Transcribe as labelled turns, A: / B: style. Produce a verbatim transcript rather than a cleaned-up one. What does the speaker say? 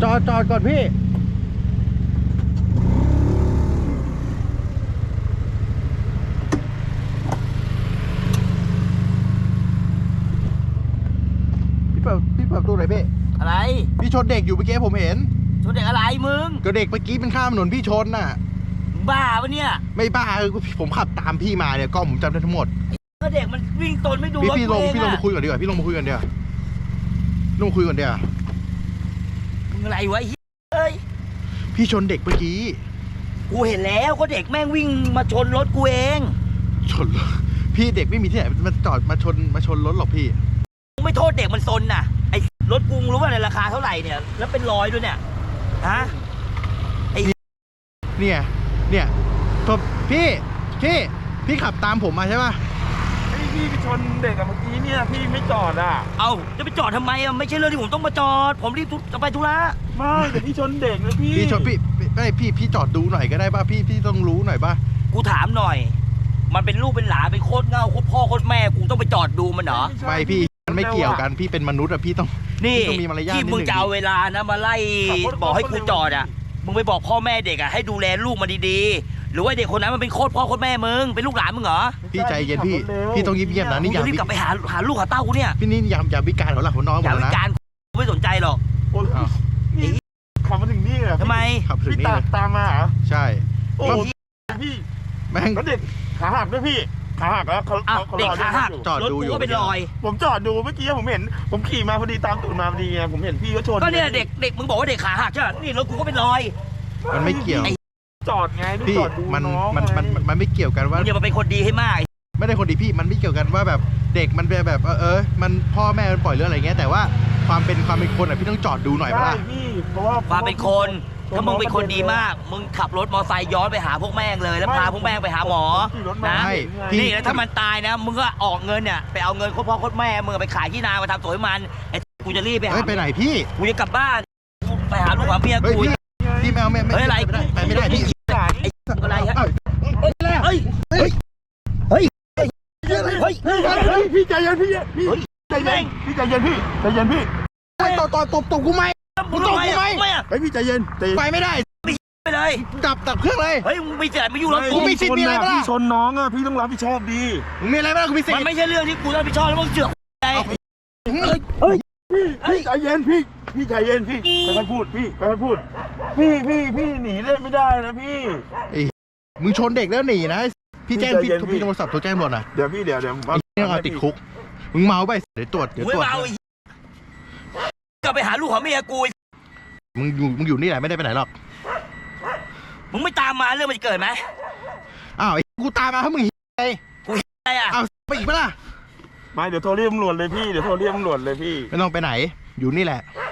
A: อดจอดก่อนพี่พี่เปิดพี่เปิดประตูหน่อยพี่
B: อะไร
A: พี่ชนเด็กอยู่เมื่อกี้ผมเห็น
B: ชนเด็กอะไรมึง
A: ก็เด็กเมื่อกี้เป็นข้ามถนนพี่ชนน่ะ
B: บ้าปะเนี่ย
A: ไม่บ้าคือผมขับตามพี่มาเนี่ยกล้องผมจำได้ทั้งหมด
B: ก็เด็กมันวิ่งตนไม่ดูรถ
A: พี่ลงพี่ลงมาคุยก่อนดีกว่าพี่ลงมาคุยกันเดี๋ยวลงมาคุยกันเดี๋ยว
B: มึงอะไรวะเฮ้ย
A: พี่ชนเด็กเมื่อกี้
B: กูเห็นแล้วก็เด็กแม่งวิ่งมาชนรถกูเอง
A: ชนพี่เด็กไม่มีที่ไหนมันจอดมาชนมาชนรถหรอกพี่
B: ไม่โทษเด็กมันซนน่ะไอ้รถกูรู้ว่าในราคาเท่าไหร่เนี่ยแล้วเป็นร้อยด้วยเนี่ยฮะไอ้
A: เนี่ยเนี่ยผมพี่พี่พี่ขับตามผมมาใช่ป่ะ
C: ไอ้พี่ไปชนเด็กอะเมื่อกี้เนี่ยพี่ไม่จอดอ่ะ
B: เอาจะไปจอดทำไมอะไม่ใช่เรื่องที่ผมต้องมาจอดผมรีบจะไปธุระ
C: ไม่แต่พี่ชนเด็กนะพี่
A: พี่ชนพี่ไม่พี่พี่จอดดูหน่อยก็ได้ป่ะพี่พี่ต้องรู้หน่อยป่ะ
B: กูถามหน่อยมันเป็นลูกเป็นหลานเป็นโคตรเง่าโคตรพ่อโคตรแม่กูต้องไปจอดดูมันเหรอ
A: ไม่พี่มันไม่เกี่ยวกันพี่เป็นมนุษย์อะพี่ต้อง
B: นี่ที่มึงจะเอาเวลานะมาไล่บอกให้กูจอดอะมึงไปบอกพ่อแม่เด็กอะให้ดูแลลูกมันดีๆหรือว่าเด็กคนนั้นมันเป็นโคตรพ่อโคตรแม่มึงเป็นลูกหลานมึงเหรอ
A: พี่ใจเย็นพี่พี่ต้องเงียบๆนะนี่อย่า
B: รีบกลับไปหาหาลูกหาเต้ากูเนี่ย
A: พี่นี่อย่าอย่าวิการเขาหลักหัวน้องหมดนะ
B: อย่าวิการกูไม่สนใจหรอก
C: โอ้ยขับมาถึงนี่เหรอ
B: ทำไม
A: ขับถึงนี่
C: ตามมาเหรอ
A: ใช่
C: โอ้พี่
A: แม่ง
C: แล้วเด็กขาหักด้วยพี่ขาหักแล้วเขา
B: เด็กขาหัก
A: จอดดูอยู่
B: ก็เป็นรอย
C: ผมจอดดูเมื่อกี้ผมเห็นผมขี่มาพอดีตามตูดมาพอดีไงผมเห็นพี่ก็ชน
B: ก็เนี่ยเด็กเด็กมึงบอกว่าเด็กขาหักใช่ไหมนี่รถกูก็เป็นรอย
A: มันไม่เกี่ยว
C: จอดไง
A: พี่มันมันมันมันไม่เกี่ยวกันว่า
B: อย่ามาเป็นคนดีให้มาก
A: ไม่ได้คนดีพี่มันไม่เกี่ยวกันว่าแบบเด็กมันเป็นแบบเออเออมันพ่อแม่มันปล่อยเรื่องอะไรเงี้ยแต่ว่าความเป็นความเป็นคนอ่ะพี่ต้องจอดดูหน่อยป่ะ
C: พี่เพราะว่า
B: ความเป็นคนถ้ามึงเป็นคนดีมากมึงขับรถมอไซค์ย้อนไปหาพวกแม่งเลยแล้วพาพวกแม่งไปหาหมอนะนี่แล้วถ้ามันตายนะมึงก็ออกเงินเนี่ยไปเอาเงินโคตรพ่อโคตรแม่มึงไปขายที่นามาทำสวยมันไอ้กูจะรีบไปหา
A: ไปไหนพี่
B: กูจะกลับบ้านไปหาลูกหาเมียกู
A: พี่แมวไม่
B: ไม่อะไร
A: ไปไม่ได้พี่
B: ไอ้อะไรฮะเฮ้ยเฮ้ยเฮ้ยเฮ้ยเฮ้ย
C: พี่ใจเย็นพี่พี่ใจเย็นพี่ใจเย็นพี่ใจเย็นพี่
A: ไปต่อต่อตบตบกูไหมกูตบกูไหม
C: ไอพี่ใจเย็น
A: ไปไม่ได้
B: ไปเลย
A: ดับดับเครื่องเลย
B: เฮ้ยมึงไม่เจ็บไม่ยุ่งแล้ว
A: กูมีสิทธิ์มีอะไรบ้าง
C: พี่ชนน้องอ่ะพี่ต้องรับผิดชอบดี
A: มึงมีอะไรบ้างกูมีสิทธิ์
B: มันไม่ใช่เรื่องที่กูต้องรับผิดชอบแล้วมึงเจือกใจ
C: เฮ้ยพี่ใจเย็นพี่พี่ใจเย็นพี่ค่อยๆพูดพี่ค่อยๆพูดพี่พี่พี่หนีเล่นไม่ได้นะพี่
A: มึงชนเด็กแล้วหนีนะพี่แจ้งพี่พี่โทรศัพท์โทรแจ้งหมดนะ
C: เดี๋ยวพี่เดี๋ยวเดี๋ยว
A: พี่ต้องเอาติดคุกมึงเมาไปเดี๋ยวตรวจเดี๋ยวตรวจ
B: ก็ไปหาลูกของเมียกู
A: มึงอยู่มึงอยู่นี่แหละไม่ได้ไปไหนหรอก
B: มึงไม่ตามมาเรื่องมันจะเกิดไหม
A: อ้าวกูตามมาให้มึงไง
B: กูอะไรอ่ะ
A: เอาไปอีกปะล่ะ
C: ไม่เดี๋ยวโทรเรียกตำรวจเลยพี่เดี๋ยวโทรเรียกตำรวจเลยพี่
A: ไม่ต้องไปไหนอยู่นี่แหละ